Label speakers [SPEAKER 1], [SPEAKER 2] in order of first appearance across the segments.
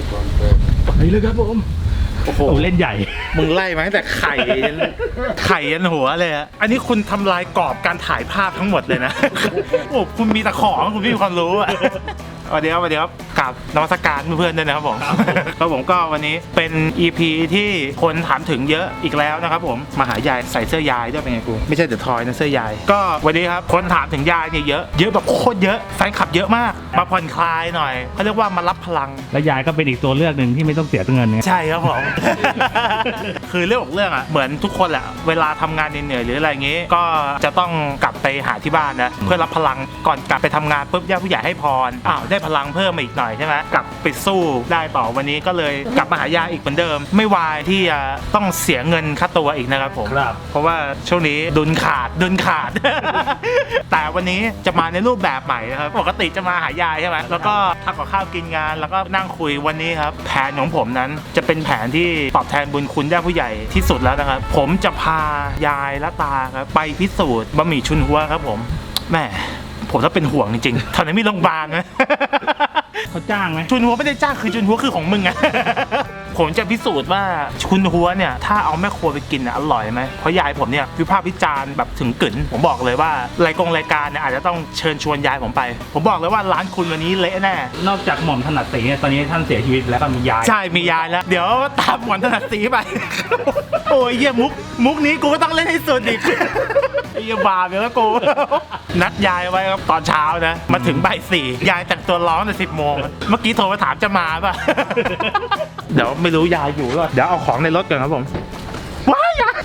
[SPEAKER 1] ไปเลยครับผมโอ้โหเล่นใหญ่
[SPEAKER 2] มึงไล่มาตั้งแต่ไข่ยันหัวเลยอะอันนี้คุณทำลายกรอบการถ่ายภาพทั้งหมดเลยนะ โอ้คุณมีแต่ของคุณไม่มีความรู้อะสวัสดีครับกับนวัตการเพื่อนๆด้วยนะครับผมครับผมก็วันนี้เป็น EP ที่คนถามถึงเยอะอีกแล้วนะครับผมมาหายายใส่เสื้อยายด้วยเป็นไงกูไม่ใช่เดอะทอยนะเสื้อยายก็วันนี้ครับคนถามถึงยายเนี่ยเยอะแบบโคตรเยอะแฟนคลับเยอะมากมาผ่อนคลายหน่อยเขาเรียกว่ามารับพลัง
[SPEAKER 1] และยายก็เป็นอีกตัวเลือกหนึ่งที่ไม่ต้องเสียเงิน
[SPEAKER 2] ใช่ครับผม คือเรื่องของเรื่องอ่ะเหมือนทุกคนแหละเวลาทำงานเหนื่อยหรืออะไรอย่างงี้ก็จะต้องกลับไปหาที่บ้านนะเพื่อรับพลังก่อนกลับไปทำงานปุ๊บญาติผู้ใหญ่ให้พรได้พลังเพิ่มมาอีกหน่อยใช่ไหมกลับไปสู้ได้ต่อวันนี้ก็เลยกลับมาหายาอีกเหมือนเดิมไม่วายที่จะต้องเสียเงินค่าตัวอีกนะครับผมเพราะว่าช่วงนี้ดุลขาด แต่วันนี้จะมาในรูปแบบใหม่นะครับปกติจะมาหายายใช่ไหมแล้วก็ทำกับข้าวกินงานแล้วก็นั่งคุยวันนี้ครับแผนของผมนั้นจะเป็นแผนที่ตอบแทนบุญคุณญาติผู้ใหญ่ที่สุดแล้วนะครับผมจะพายายและตาครับไปพิสูจน์บะหมี่ชุนหัวครับผมแม่ผมต้องเป็นห่วงจริงๆแถวนี้มีโรงพยาบาลไหม
[SPEAKER 1] เขาจ้างไหม
[SPEAKER 2] ชุนหัวไม่ได้จ้างคือชุนหัวคือของมึงอะ ผมจะพิสูจน์ว่าชุนหัวเนี่ยถ้าเอาแม่ครัวไปกินอร่อยไหมเพราะยายผมเนี่ยวิพากษ์วิจารณ์แบบถึงกึ๋นผมบอกเลยว่ารายการเนี่ยอาจจะต้องเชิญชวนยายผมไปผมบอกเลยว่าร้านคุณวันนี้เละแน่
[SPEAKER 1] นอกจากหม่อมถนัดสีตอนนี้ท่านเสียชีวิตแล้วก็มียาย
[SPEAKER 2] ใช่มียายแล้วเดี๋ยวตามหม่อมถนัดสีไป โอ้ยเยี่ยมุกนี้กูก็ต้องเล่นให้สุดอีก ไอ้บาปแล้วกู นัดยายไว้ครับตอนเช้านะมาถึงบ่ายสี่ยายแต่งตัวร้องแต่10 โมงเมื่อกี้โทรมาถามจะมาป่ะ เดี๋ยวไม่รู้ยายอยู่หรอเดี๋ยวเอาของในรถก่อนครับผมว้ายยาย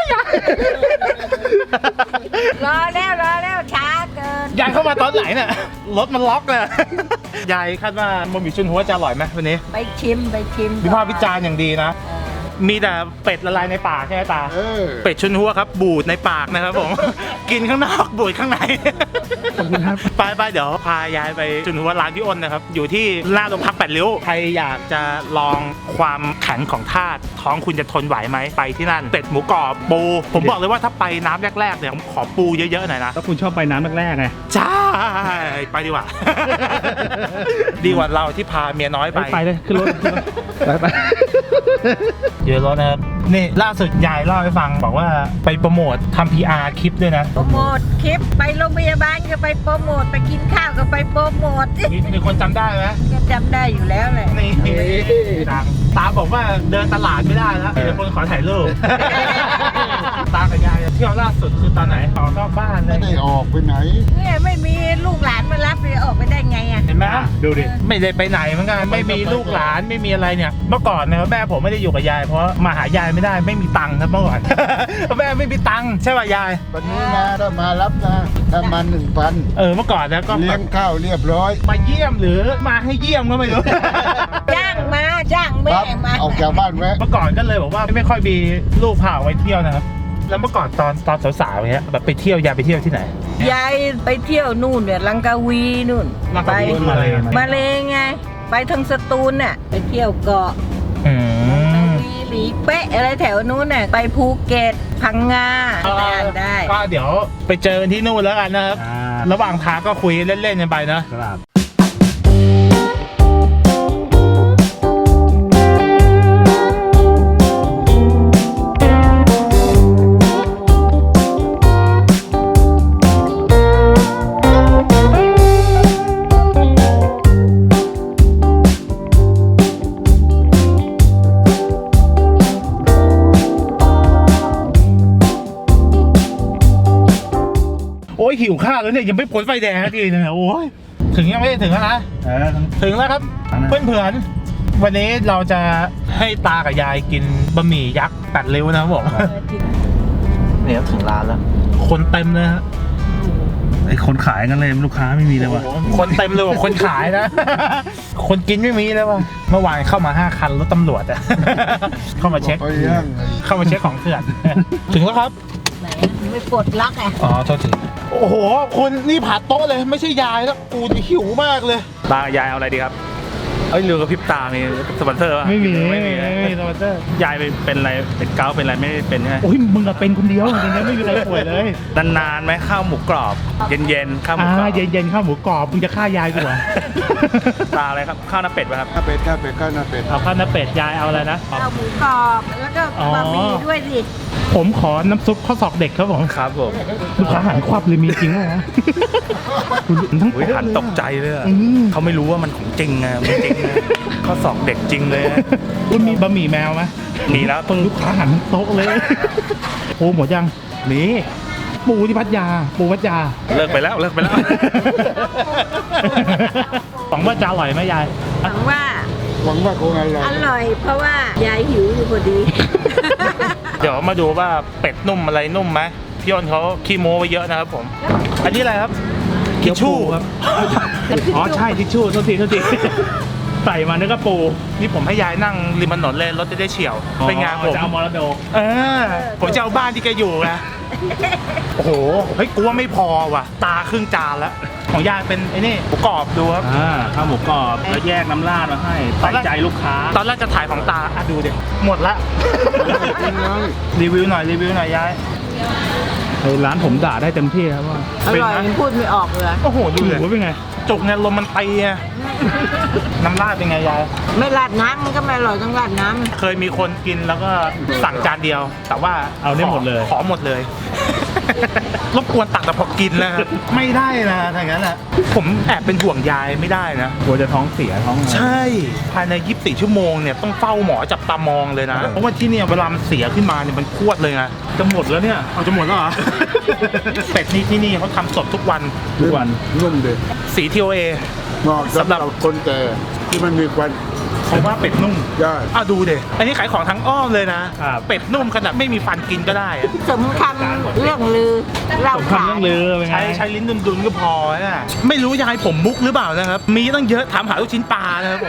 [SPEAKER 3] รอแล้วช้าเกิน
[SPEAKER 2] ยายเข้ามาตอนไหนเนี่ยรถมันล็อกเลยยายคาดว่าบะหมี่ชุนหัวจะอร่อยไหมวันนี้
[SPEAKER 3] ไปชิม
[SPEAKER 2] วิพากษ์วิจารณ์อย่างดีนะมีแต่เป็ดละลายในปากใช่ไหมตาเป็ดชุนหัวครับบูดในปากนะครับผม กินข้างนอกบูดข้างในไปเดี๋ยวพายายไปชุนหัวร้านพี่อ้นนะครับอยู่ที่หน้าโรงพัก8 ริ้วใครอยากจะลองความแข็งของธาตุท้องคุณจะทนไหวไหมไปที่นั่นเป็ดหมูกรอบปูผมบอกเลยว่าถ้าไปน้ำแรกๆเนี่ยผมขอปูเยอะๆหน่อยนะ
[SPEAKER 1] ก็คุณชอบไปน้ำแรกๆไง
[SPEAKER 2] ใช่ไปดีกว่า ดีกว่าเราที่พาเมียน้อยไป
[SPEAKER 1] เลยขึ้นรถไป
[SPEAKER 2] เยอะแล้วนะครับนี่ล่าสุดยายเล่าให้ฟังบอกว่าไปโปรโมททำ PR คลิปด้วยนะ
[SPEAKER 3] โปรโมทคลิปไปโรงพยาบาลก็ไปโปรโมทไปกินข้าวก็ไปโปรโมท
[SPEAKER 2] มีคนจำได้ไหม
[SPEAKER 3] ก็จำได้อยู่แล้วเลย
[SPEAKER 2] นี่ดังตาบอกว่าเดินตลาดไม่ได้แล้วมีคนขอถ่ายรูปตากับยายเที่ยวล่าสุดคือตอนไหนออกนอกบ้านเลย
[SPEAKER 4] ไม่ได้ออกไปไหน
[SPEAKER 3] เนี่ยไม่มีลูกหลานมารับเลยออกไปได้ไงอ่ะ
[SPEAKER 2] เห็นไหม
[SPEAKER 1] ดูดิ
[SPEAKER 2] ไม่ได้ไปไหนเหมือนกันไม่มีลูกหลานไม่มีอะไรเนี่ยเมื่อก่อนนะครับแม่ผมไม่ได้อยู่กับยายเพราะมาหายายไม่ได้ไม่มีตังค์ครับเมื่อก่อน แม่ไม่มีตังค์ใช่ป่ะยาย
[SPEAKER 4] วันนี้นะถ้ามารับนะถ้ามา1,000
[SPEAKER 2] เมื่อก่อนนะก็
[SPEAKER 4] เลี้ยงข้าวเรียบร้อย
[SPEAKER 2] มาเยี่ยมหรือมาให้เยี่ยมก็ไม่รู้
[SPEAKER 3] จ้างแม่มา
[SPEAKER 4] ออกจากบ้านแวะ
[SPEAKER 2] เมื่อก่อนก็เลยบอกว่าไม่ค่อยมีลูกพาไว้เที่ยวนะครับแล้วเมื่อก่อนตอนสาวๆเนี้ยแบบไปเที่ยวยายไปเที่ยวที่ไหน
[SPEAKER 3] ยายไปเที่ยวนู่นเนี่ยลังกาวีนู่น
[SPEAKER 2] ไป
[SPEAKER 3] มาเลยไงไปทางสตูลน่ะไปเที่ยวเกาะหลีเป๊ะอะไรแถวนู้นน่ะไปภูเก็ตพังงาได้
[SPEAKER 2] ก็เดี๋ยวไปเจอที่นู่นแล้วกันนะครับระหว่างทางก็คุยเล่นๆกันไปนะครับโอ้ยหิวข้าวแล้วเนี่ยยังไม่พ้นไฟแดงทีนึงโอ้ยถึงยังไม่ถึงนะถึงแล้วครับเพื่อนๆวันนี้เราจะให้ตากับยายกินบะหมี่ยักษ์8 ริ้วนะครับผมเนี่ยถึงร้านแล้วคนเต็มเลยฮะ
[SPEAKER 1] ไอคนขายกันเลยลูกค้าไม่มีเลยว่ะ
[SPEAKER 2] คนเต็มเลยว่ะคนขายนะ คนกินไม่มีเลยว่ะเมื่อวานเข้ามา5 คันรถตำรวจอะเข้ามาเช็คของเถื่อนถึงแล้วครับ
[SPEAKER 3] ไม่ปลดล็อก
[SPEAKER 2] อ๋อโทษทีโอ้โหคุณนี่ผัดโต๊ะเลยไม่ใช่ยายแล้วกูหิวมากเลย
[SPEAKER 1] ตายายเอาอะไรดีครับเอ้ยลืมกับพริบตามีสปอนเซอร์ป่ะ
[SPEAKER 5] ไม่มี
[SPEAKER 1] ไม่มี
[SPEAKER 5] ไม่มีสปอนเซอร์
[SPEAKER 1] ยายเป็นอะไรเป็นเกาต์เป็นอะไรไม่ได้เป็นใช่ไหม
[SPEAKER 5] โอ้ยมึงอะเป็นคนเดียวจริงๆไม่มีใครป่วยเลย
[SPEAKER 1] นานๆไหมข้าวหมูกรอบ เย็นๆข้าวหมูกรอบ
[SPEAKER 5] เย็นๆข้าวหมูกรอบมึงจะฆ่ายายกูเหรอ
[SPEAKER 1] ตาอะไรครับข้าวหน้าเป็ดป่ะครับ
[SPEAKER 4] ข้าวเป็ดข้าวเป็ดข้าวหน้าเป็ด
[SPEAKER 5] เอาข้าวหน้าเป็ดยายเอาอะไรนะ
[SPEAKER 3] ข้าวหมูกรอบแล้วก็บะหมี่ด้วยสิ
[SPEAKER 5] ผมขอน้ำซุปข้าวศอกเด็กครับผม
[SPEAKER 1] ครับผม
[SPEAKER 5] ลูกค้าหันควับเลยมีจริงเหรอทั้ง
[SPEAKER 1] อุ้ยหันตกใจเลยอะ
[SPEAKER 5] อืม
[SPEAKER 1] เขาไม่รู้ว่ามันของจริงอะมันจริงอะข้อสอบเด็กจริงเลยอะ
[SPEAKER 5] คุณมีบะหมี่แมวไหม
[SPEAKER 1] มีแล้วเพิ่ง
[SPEAKER 5] ลูกค้าหันทั้งโต๊ะเลยปูหมดยัง
[SPEAKER 1] มี
[SPEAKER 5] ปูที่พัทยาปูพัทยา
[SPEAKER 1] เลิกไปแล้ว
[SPEAKER 5] หวังว่าจะอร่อยไหมยาย
[SPEAKER 3] หวังว่า
[SPEAKER 4] หวังว่าคงอร่อย
[SPEAKER 3] อร่อย เพราะว่ายายหิวอยู่พอดี
[SPEAKER 2] เดี๋ยวมาดูว่าเป็ดนุ่มอะไรนุ่มไหมพี่อ้นเขาขี้โม้ไว้เยอะนะครับผม อันนี้อะไรครับทิชชู่
[SPEAKER 5] ครับ อ๋อใช่ทิชชู่โทษที ใส่มานึกว่าปู
[SPEAKER 2] นี่ผมให้ยายนั่งริมถนนเลยรถจะได้เฉียวเป็นไงผม
[SPEAKER 5] จะเอามรดก
[SPEAKER 2] ผมจะเอาบ้านที่แกอยู่นะโอ้โหเฮ้ยกูว่าไม่พอว่ะ ตาครึ่งจานแล้วของยายเป็นไอ้นี่หมูกรอบดูครับ
[SPEAKER 5] ข้าวหมูกรอบแล้วแยกน้ำราดมาให้ใส่ใจลูกค้า
[SPEAKER 2] ตอนแรกจะถ่ายของตาอ่ะดูดิหมดละ
[SPEAKER 4] กินเลย
[SPEAKER 2] รีวิวหน่อยยาย
[SPEAKER 5] ร้านผมด่าได้เต็มที่ครับว่า
[SPEAKER 3] อร่อยยังพูดไม่ออกเลย
[SPEAKER 2] โอ้โหดู
[SPEAKER 5] ห
[SPEAKER 2] เลย
[SPEAKER 5] มูเป็นไง
[SPEAKER 2] จุกเนี่ยลมมันตีอะน้ำราดเป็นไงยาย
[SPEAKER 3] ไม่ราดน้ำมันก็ไม่อร่อยต้องราดน้ำ
[SPEAKER 2] เคยมีคนกินแล้วก็สั่งจานเดียว แต่ว่า
[SPEAKER 5] เอาได้หมดเลย
[SPEAKER 2] ขอหมดเลย รบกวนตักแต่พอกินนะครับไม่ได้นะถ้างั้นอ่ะผมแอบเป็นห่วงยายไม่ได้นะ
[SPEAKER 5] กลัวจะท้องเสียท้องอะไร
[SPEAKER 2] ใช่ ภายใน 24 ชั่วโมงเนี่ยต้องเฝ้าหมอจับตามองเลยนะ เพราะว่าที่เนี่ยเวลามันเสียขึ้นมาเนี่ยมันพรวดเลยไง
[SPEAKER 5] จะหมดแล้วเนี่ย
[SPEAKER 2] เอาจะหมดแล้วเหรอ เป็ดนี่ที่นี่เขาทำสดทุกวัน
[SPEAKER 5] ทุกวัน
[SPEAKER 4] นุ่มเด็ด
[SPEAKER 2] สี TOA
[SPEAKER 4] เหมาะสำหรับคนแก่ที่มันมีควัน
[SPEAKER 2] เพราะว่าเป็ดนุ่ม
[SPEAKER 4] ได้
[SPEAKER 2] ดูเด็อันนี้ขายของทั้งอ้อมเลยนะ เป็ดนุ่มขนาดไม่มีฟันกินก็ได้อะ
[SPEAKER 3] สมคำเรื่องลือเล่า
[SPEAKER 5] สม
[SPEAKER 3] ขา
[SPEAKER 5] คำเรื่องลือเป็นไง
[SPEAKER 2] ใช้ลิ้นดุนๆก็พอนะไม่รู้ยายผมมุกหรือเปล่านะครับ มีตั้งเยอะถามหาลูกชิ้นปลานะครับผม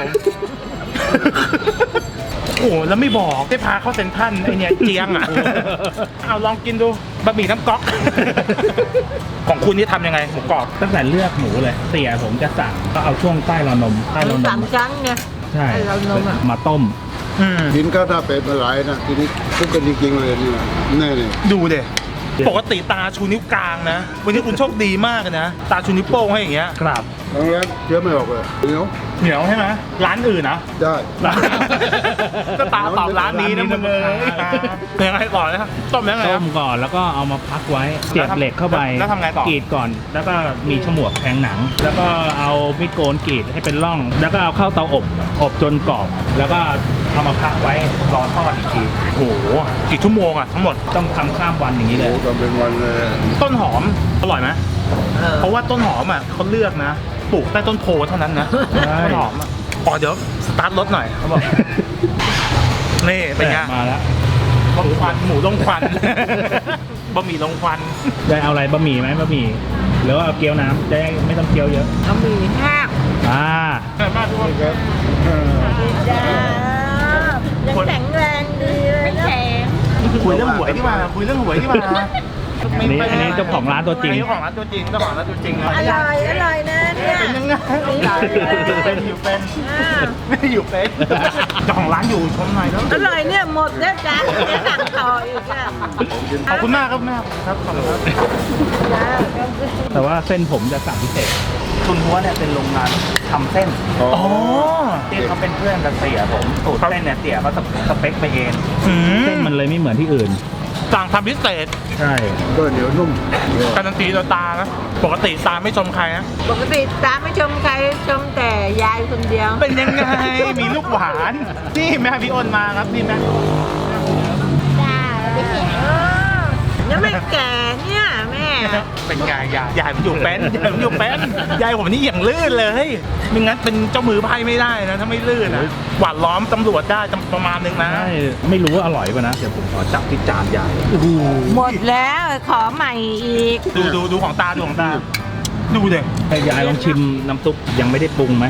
[SPEAKER 2] โอ้โหแล้วไม่บอกได้พาเข้าเซ็นทรัลไอเนี่ยเจียงอ่ะ เอาลองกินดูบะหมี่น้ำก๊อก ของคุณนี่ทำยังไงหมูกรอบ
[SPEAKER 5] ตั้งแต่เลือกหมูเลยเสียผมจะสั่งก็เอาช่วงใต้ราวนมใต้ราวน
[SPEAKER 3] สาม
[SPEAKER 5] ม
[SPEAKER 3] ชั้นเนี่ย
[SPEAKER 5] ใช่
[SPEAKER 3] ใต้ราวนมอะ
[SPEAKER 5] มาต้ม
[SPEAKER 4] กินข้าวหน้าเป็ดมาหลายนะทีนี้ทุกกันจริงๆเลยนี่แน่เลย
[SPEAKER 2] ดูเด็ปกติตาชูนิ้วกลางนะ วันนี้คุณโชคดีมากนะ ตาชูนิ้วโป้งให้อย่างเงี้ย
[SPEAKER 5] ครับ
[SPEAKER 4] ครั้งแรกเชื่อไม่ออกเลยเหนียว
[SPEAKER 2] เหนียวใช่ไหมร้านอื่นนะ
[SPEAKER 4] ได้
[SPEAKER 2] ก็ตาตอบร้านนี้นะมึงเลยเป็นยังไงต่อนะครับต้มยังไงค
[SPEAKER 5] ต้
[SPEAKER 2] รับ
[SPEAKER 5] มก่อนแล้วก็เอามาพักไว้เสียบเหล็กเข้าไป
[SPEAKER 2] แล้วทำไงต่อ
[SPEAKER 5] กรีดก่อน แล้วก็มีฉมวกแทงหนัง แล้วก็เอามีดโกนกรีดให้เป็นร่อง แล้วก็เอาเข้าเตาอบจนกรอบ แล้วก็เอามาพักไว้รอทอดอีกที
[SPEAKER 2] โอ้โหกี่ชั่วโมงอะทั้งหมด
[SPEAKER 5] ต้องทำข้ามวันอย่างนี้เล
[SPEAKER 4] โอ้
[SPEAKER 5] ย
[SPEAKER 4] ทำเป็นวันเลย
[SPEAKER 2] ต้นหอมอร่อยไหม
[SPEAKER 3] เออ
[SPEAKER 2] เพราะว่าต้นหอมอ่ะเขาเลือกนะปลูกใต้ต้นโพเท่านั้นนะ
[SPEAKER 5] ใช่
[SPEAKER 2] ต้นหอมอ่ะเดี๋ยวสตาร์ทรถหน่อยเขาบอกนี่เป็นไง
[SPEAKER 5] มาแล้ว
[SPEAKER 2] ลงควันหมูลงควัน บะหมี่ลงควัน
[SPEAKER 5] ได้เอาอะไรบะหมี่ไหมบะหมี่หรือว่าเอาเกี๊ยวน้ำจะได้ไม่ต้องเคี้ยวเยอะ
[SPEAKER 3] เอาหมี่แห้ง
[SPEAKER 2] บ้านทุกคน
[SPEAKER 4] ครับ
[SPEAKER 3] จ้ายังแข็งแรงดีเลยนะ
[SPEAKER 2] คุยเรื่องหวยดีกว่าคุยเรื่องหวยดีกว่า
[SPEAKER 5] อันนี้เจ้าของร้านตัวจริง
[SPEAKER 2] เจ้าของร้านตัวจริงเจ้าของร้านตัวจริงนะ
[SPEAKER 3] อร่อยนะเนี่ย
[SPEAKER 2] เป็นยังไงเป็นอยู่เป็น
[SPEAKER 3] อ่า
[SPEAKER 2] ไม่ได้อยู่เป็นเจ้าของร้านอยู่ชมหน่อยแล้ว
[SPEAKER 3] อร่อยเนี่ยหมดแล้วจ้าจะสั่งต่ออีกอ่ะ
[SPEAKER 2] ขอบคุณมากครับแม่ครับขอบคุณครับ
[SPEAKER 3] จ้า
[SPEAKER 5] แต่ว่าเส้นผมจะสั่งพิเศษคุณหัวเนี่ยเป็นโรงงานทำเส้น
[SPEAKER 4] อ๋อ
[SPEAKER 2] อ๋อ
[SPEAKER 5] ที่เขาเป็นเพื่อนกับเตี๋ยผมสูตรเส้นเนี่ยเตี๋ยเขาสเปคไปเอง เส้นมันเลยไม่เหมือนที่อื่น
[SPEAKER 2] สั่งทำพิเศษ
[SPEAKER 5] ใช่
[SPEAKER 4] ก็เหนียวนุ่ม
[SPEAKER 2] การันตีโดยตานะปกติตาไม่ชมใครนะ
[SPEAKER 3] ปกติตาไม่ชมใครชมแต่ยายคนเดียว
[SPEAKER 2] เป็นยังไงมีลูกหวานนี่แม่พี่อ้นมาครับนี่แม่
[SPEAKER 3] จ้ายังไม่แก่เนี่ยแม่
[SPEAKER 2] เป็นไงยายผมอยู่เป็นยายผมอยู่เป็นยายผมนี่อย่างลื่นเลยไม่งั้นเป็นเจ้ามือไพ่ไม่ได้นะถ้าไม่ลื่นนะหวานล้อมตำรวจได้ประมาณนึงนะ
[SPEAKER 5] ใช่ไม่รู้ว่าอร่อยป่ะนะ เดี๋ยวผมขอจับที่จานใหญ่
[SPEAKER 3] หมดแล้วขอใหม่อีก
[SPEAKER 2] ดูของตาดูของตาดูเด็ก
[SPEAKER 5] ให้ยายลองชิมน้ำซุปยังไม่ได้ปรุงไหม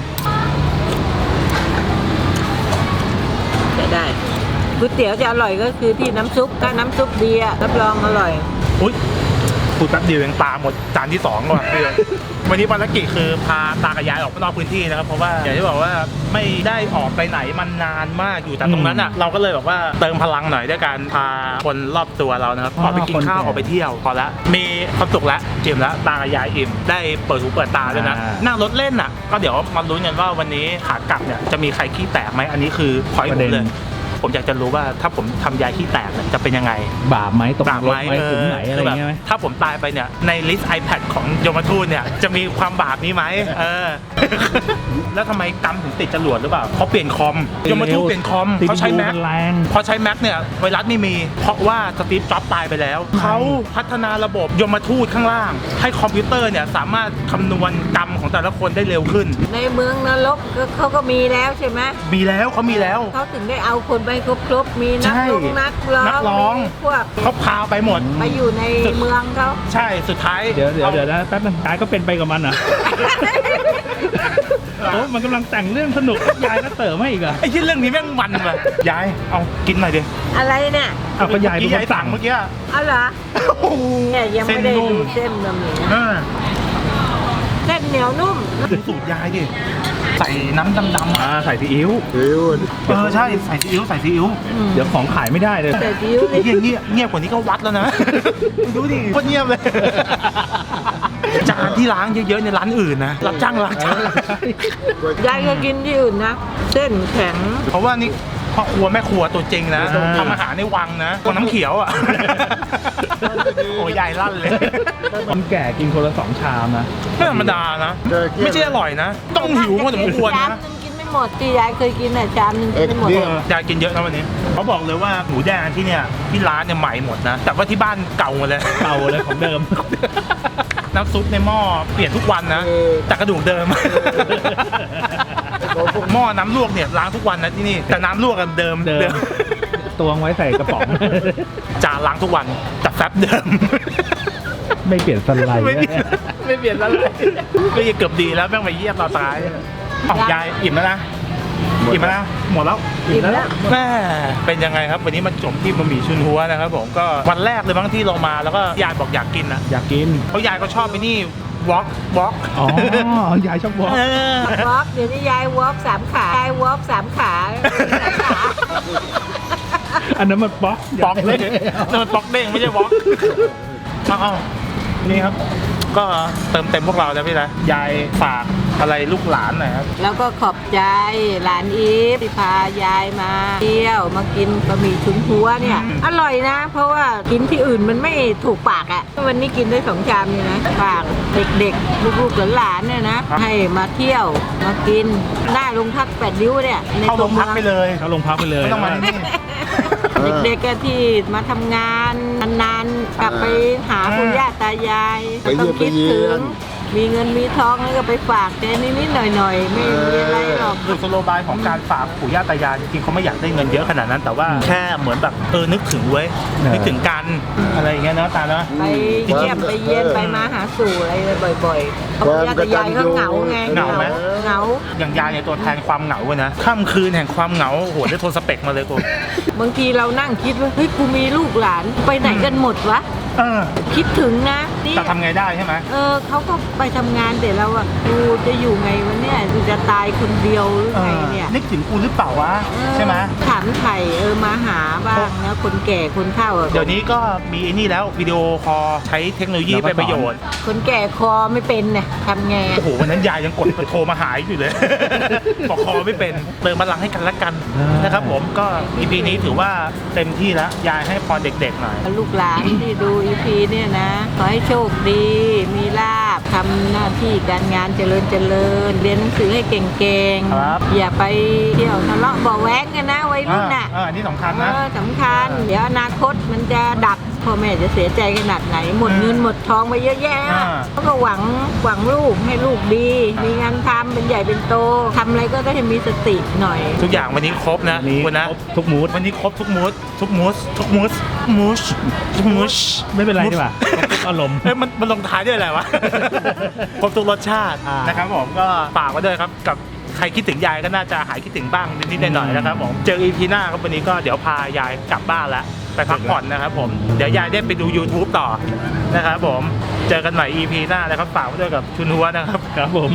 [SPEAKER 3] จะได้ก๋วยเตี๋ยวจะอร่อยก็คือที่น้ำซุปถ้าน้ำซุปดีอะรับรองอร่อย
[SPEAKER 2] อุ้ยพูดแป๊บเดียวยังตาหมดจานที่2ก่อนวันนี้ภารกิจคือพาตากับยายออกไปนอกพื้นที่นะครับเพราะว่าอย่างที่บอกว่าไม่ได้ออกไปไหนมันนานมากอยู่แต่ตรงนั้นอ่ะเราก็เลยแบบว่าเติมพลังหน่อยด้วยการพาคนรอบตัวเรานะครับออกไปกินข้าวออกไปเที่ยวพอละมีความสุขแล้วอิ่มแล้วตากับยายอิ่มได้เปิดหูเปิดตาด้วยนะนั่งรถเล่นอ่ะก็เดี๋ยวมาลุ้นกันว่าวันนี้ขากลับเนี่ยจะมีใครขี้แตกไหมอันนี้คือพอยต์ผมเลยผมอยากจะรู้ว่าถ้าผมทำยายขี้แตกเนี่ยจะเป็นยังไง
[SPEAKER 5] บาปไหมตก
[SPEAKER 2] บาป
[SPEAKER 5] ร
[SPEAKER 2] ไหม
[SPEAKER 5] ถไหมถึงไหนอะไร
[SPEAKER 2] คือแบบ
[SPEAKER 5] เงี้ยไหม
[SPEAKER 2] ถ้าผมตายไปเนี่ยในลิสต์ iPad ของยมทูตเนี่ยจะมีความบาปนี้ไหมแล้วทำไมกรรมถึงติดจรวดหรือเปล่าเขาเปลี่ยนคอมยมทูตเปลี่ยนคอมเขาใช้ Mac
[SPEAKER 5] แรง
[SPEAKER 2] พอใช้ Mac เนี่ยไวรัสไม่มีเพราะว่าสตีฟจ็อบส์ตายไปแล้วเขาพัฒนาระบบยมทูตข้างล่าง ให้คอมพิวเตอร์เนี่ยสามารถคำนวณกรรมของแต่ละคนได้เร็วขึ้น
[SPEAKER 3] ในเมืองนรกเขาก็มีแล้วใช่ไหม
[SPEAKER 2] มีแล้วเขามีแล้ว
[SPEAKER 3] เขาถึงได้เอาคนไปครบๆมีนัก
[SPEAKER 2] ใช่
[SPEAKER 3] นักร้อง
[SPEAKER 2] นักร้อง
[SPEAKER 3] มีพวก
[SPEAKER 2] เขาพาไปหมด
[SPEAKER 3] ไปอยู่ในเมืองเขา
[SPEAKER 2] ใช่สุดท้าย
[SPEAKER 5] เดี๋ยวนะแป๊บนึงยายก็เป็นไปกับมันเหรอ โอ้มันกำลังแต่งเรื่องสนุกยายก็เติมให้อีกเหรอ่ะ
[SPEAKER 2] ไอ้ที่เรื่องนี้แม่งมันว่ะยายเอากินหน่อยดิ
[SPEAKER 3] อะไรเนี่ย
[SPEAKER 5] เอาก็ยายเป็นคน
[SPEAKER 2] ยายสั่
[SPEAKER 5] สั่
[SPEAKER 2] ง
[SPEAKER 5] ง
[SPEAKER 2] เมื่อกี้
[SPEAKER 3] เอาเหรอ
[SPEAKER 2] โอ้โห
[SPEAKER 3] เนี่ยยังไม่ได้
[SPEAKER 2] เส้นนุ่ม
[SPEAKER 3] ดูเส้นบะหมี่
[SPEAKER 2] เออ
[SPEAKER 3] เส้นเหนียวนุ่ม
[SPEAKER 2] ดูสูตรยายดิใส่น้ำดำๆ
[SPEAKER 5] ใส่ซีอิ๊ว
[SPEAKER 2] ใช่ใส่ซีอิ๊วใส่ซีอิ๊ว
[SPEAKER 5] เดี๋ยวของขายไม่ได้เลย
[SPEAKER 3] แต่ดิ้ว
[SPEAKER 2] ไอ้
[SPEAKER 3] นี่
[SPEAKER 2] เหี้ยเงียบกว่านี้ก็วัดแล้วนะ ดูดิโคตรเงียบเลย จานที่ล้างเยอะๆในร้านอื่นนะรับจ้างล้างจาน
[SPEAKER 3] ยายก็กินที่อื่นนะ เส้นแข็ง
[SPEAKER 2] เพราะว่านี่พ่อครัวแม่ครัวตัวจริงนะทำอาหารในวังนะคนน้ำเขียวอ่ะ โอ้ยายลั่นเลย
[SPEAKER 5] คนแก่กินคนละ2 ชามนะ
[SPEAKER 2] ไม่ธรรมดานะ ไม่ใช่อร่อยนะ ต้องหิวพอสมควร
[SPEAKER 3] จาน
[SPEAKER 2] นะ
[SPEAKER 3] นึงกินไม่หมดที่ยายเคยกินน่ะจานนึงกินไม่หมด
[SPEAKER 2] ยายกินเยอะนะวันนี้เขาบอกเลยว่าหมูแดงที่เนี่ยที่ร้านเนี่ยใหม่หมดนะ แต่ว่าที่บ้านเก่าหมดเลย
[SPEAKER 5] เก่าเลยของเดิม
[SPEAKER 2] น้ำซุปในหม้อเปลี่ยนทุกวันนะแต่กระดูกเดิม หม้อน้ำลวกเนี่ยล้างทุกวันนะที่นี่แต่น้ำลวกกันเดิม
[SPEAKER 5] ตวงไว้ใส่กระป๋อง
[SPEAKER 2] จานล้างทุกวันแต่แฟบเดิม
[SPEAKER 5] ไม่เปลี่ยนสไลด์
[SPEAKER 2] ไม่เปลี่ยนแล้วเลยก็ยังเกือบดีแล้วแม่งไปเยี่ยมตอนท้ายของยายอิ่มแล้วนะอิ่มแล้วนะหมดแล้ว
[SPEAKER 3] อิ่มแล้ว
[SPEAKER 2] แม่เป็นยังไงครับวันนี้มาจบที่บะหมี่ชุนหัวนะครับผมก็วันแรกเลยบางที่ลงมาแล้วก็ยายบอกอยากกินนะ
[SPEAKER 5] อยากกิน
[SPEAKER 2] เพราะยายก็ชอบไปนี่วอล์ก
[SPEAKER 5] อ๋อ ยายชอบวอล์ก
[SPEAKER 3] วอล์กเดี๋ยวนี้ยายวอล์ก3 ขายายวอล์ก3 ขาขา
[SPEAKER 5] อันนั้นมันป๊อก
[SPEAKER 2] ป๊อกเด้งนั่นมันป๊อกเด้งไม่ใช่วอล์กเอานี่ครับ ก็เติมเต็มพวกเราแล้วพี่นะยายฝากอะไรลูกหลานหน่อยครับ
[SPEAKER 3] แล้วก็ขอบใจหลานอีฟที่พายายมาเที่ยวมากินบะหมี่ชุนหัวเนี่ย อร่อยนะ เพราะว่ากินที่อื่นมันไม่ถูกปากอะ่ะวันนี้กินได้2 ชามนี่นะฝากเด็กๆลูกๆหลานๆเนี่ยนะให้มาเที่ยวมากินหน้าโรงพัก8 ริ้วเนี่ยใน
[SPEAKER 2] เข้าโรงพักไปเลย
[SPEAKER 5] เขาลงพักไปเลย
[SPEAKER 2] ไม่ต้องมาที่นี่
[SPEAKER 3] เด็กๆก็ที่มาทำงานนานๆกลับไปหาปู่ย่าตายาย
[SPEAKER 4] ไปเยี่ยม
[SPEAKER 3] คิดถึงมีเงินมีทองแล้วก็ไปฝากแกนิดๆหน่อยๆไม่มีอะไรหรอก
[SPEAKER 2] คือสโลบายของการฝากปู่ย่าตายายจริงๆเขาไม่อยากได้เงินเยอะขนาดนั้น แต่ว่าแค่เหมือนแบบนึกถึงเว้ยนึกถึงกันอะไรอย่างเงี้ยเนาะตาเนาะ
[SPEAKER 3] ไปเยี่ยมไปเยี่ยนไปมาหาสู่อะไรบ่อยๆเขาปู่ย่าตายายก็เหงาไง
[SPEAKER 2] เหงาไหม
[SPEAKER 3] เหงา
[SPEAKER 2] อย่างยายเนี่ยตัวแทนความเหงาเว้ยนะค่ำคืนแห่งความเหงาโอ้โหได้โทรสเปกมาเลยกู
[SPEAKER 3] บางทีเรานั่งคิดว่าเฮ้ยกูมีลูกหลานไปไหนกันหมดวะ คิดถึงนะนี่
[SPEAKER 2] จะทำไงได้ใช่ไหม
[SPEAKER 3] เขาก็ไปทำงานแต่เราอะกูจะอยู่ไงวันเนี้ยกูจะตายคนเดียวหรือไงเนี่ย
[SPEAKER 2] นึกถึงกูหรือเปล่าวะใช่ไหม
[SPEAKER 3] ถามไถ่มาหาบ้างนะคนแก่คนเฒ่าอะ
[SPEAKER 2] เดี๋ยวนี้ก็มีไอ้นี่แล้ววิดีโอคอลใช้เทคโนโลยีเป็นประโยชน์
[SPEAKER 3] คนแก่คอไม่เป็นเนี่ยทำไง
[SPEAKER 2] โอ้โหวันนั้นยายยังกดโทรมาหาอยู่เลย บอกคอไม่เป็นเติมพลังให้กันและกันนะครับผมก็ EP นี้ถือว่าเต็มที่แล้วยายให้พรเด็กๆหน่อย
[SPEAKER 3] ลูกหลานที่ดูอีพีเนี่ยนะขอให้โชคดี มีลาภทำหน้าที่การงานเจริญเรียนหนังสือให้เก่ง
[SPEAKER 2] ครับ
[SPEAKER 3] อย่าไปเที่ยวทะเลาะเบาะแว้งกันนะวัยรุ่นน่ะ
[SPEAKER 2] อันนี้สำคัญนะ
[SPEAKER 3] สำคัญ เดี๋ยวอนาคตมันจะดักพ่อแม่จะเสียใจขนาดไหน หมดเงินหมดทองไปเยอะแยะเขาก็หวังลูกให้ลูกดี มีงานทำเป็นใหญ่เป็นโตทำอะไรก็ได้ให้มีสติหน่อย
[SPEAKER 2] ทุกอย่างวันนี้ครบนะ
[SPEAKER 5] นี่
[SPEAKER 2] คุณนะ
[SPEAKER 5] ครบทุกมูด
[SPEAKER 2] วันนี้ครบทุกมูสทุกมูสทุกมูสมูส
[SPEAKER 5] ไม่เป็นไรดีกว่าครบทุกอารมณ์
[SPEAKER 2] มันลงท้ายด้วยอะไรวะ ครบทุกรสชาติ
[SPEAKER 5] อ่าน
[SPEAKER 2] นะครับผมก็ฝากไว้ด้วยครับกับใครคิดถึงยายก็น่าจะหายคิดถึงบ้างนิดๆหน่อยๆนะครับผมเจอ EP หน้าครับวันนี้ก็เดี๋ยวพายายกลับบ้านแล้วไปพักผ่อนนะครับผมเดี๋ยวยายได้ไปดู YouTube ต่อนะครับผมเจอกันใหม่ EP หน้านะครับฝากไว้ด้วยกับชุนหัวนะครับ
[SPEAKER 5] ครับผม